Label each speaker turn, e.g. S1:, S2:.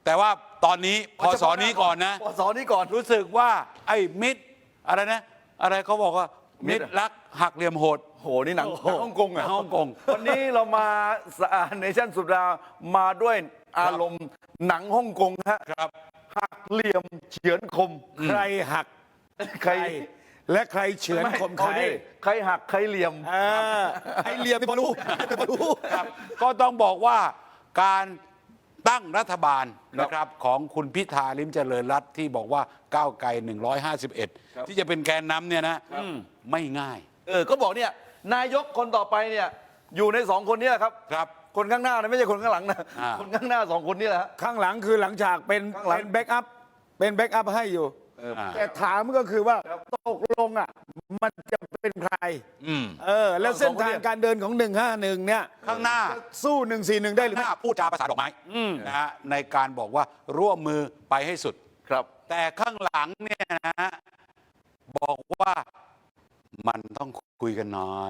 S1: แต่ว่าตอนนี้พศนี้ก่อนนะ
S2: พศนี้ก่อน
S1: รู้สึกว่าไอ้มิตรอะไรนะ อะไรเขาบอกว่ามิตรรักหักเหลี่ยมโหด
S2: โหนี่หนังฮ่องกงอ่ะ
S1: ฮ่องกง
S2: วันนี้เรามาเนชั่นสุดามาด้วยอารมณ์หนังฮ่องกงฮะ
S1: ครับ
S2: หักเหลี่ยมเฉือนคม
S3: ใครหัก
S2: ใคร
S3: และใครเฉือนคมใคร
S2: เอาดิใครหักใครเหลี่ยม
S3: ไอเหลี่ยมนี่พอรู้พอรู้
S1: ครับก็ต้องบอกว่าการตั้งรัฐบาลนะครับของคุณพิธาลิ้มเจริญรัตน์ที่บอกว่าก้าวไกล 151 ที่จะเป็นแกนนำเนี่ยนะไม่ง่าย
S2: ก็บอกเนี่ยนายกคนต่อไปเนี่ยอยู่ในสองคนเนี้ครับ
S1: ครับ
S2: คนข้างหน้านะไม่ใช่คนข้างหลังนะ
S1: อ่า
S2: คนข้างหน้าสองคนนี่แหละฮะ
S3: ข้างหลังคือหลังฉากเป็น
S2: ข้างหลัง
S3: แบ็กอัพเป็นแบ็กอัพให้อยู่
S1: อ่า
S3: แต่ถามก็คือว่าตกลงอ่ะมันจะเป็นใคร
S1: อืม
S3: แล้วเส้นทางการเดินของ 151 เนี่ย
S1: ข้างหน้า
S3: สู้ 141 ได้หรือ
S1: ห
S3: ไม่
S1: น้าพูดจาภาษาดอกไม้นะฮะในการบอกว่าร่วมมือไปให้สุด
S2: ครับ
S1: แต่ข้างหลังเนี่ยนะฮะบอกว่ามันต้องคุยกันหน่อย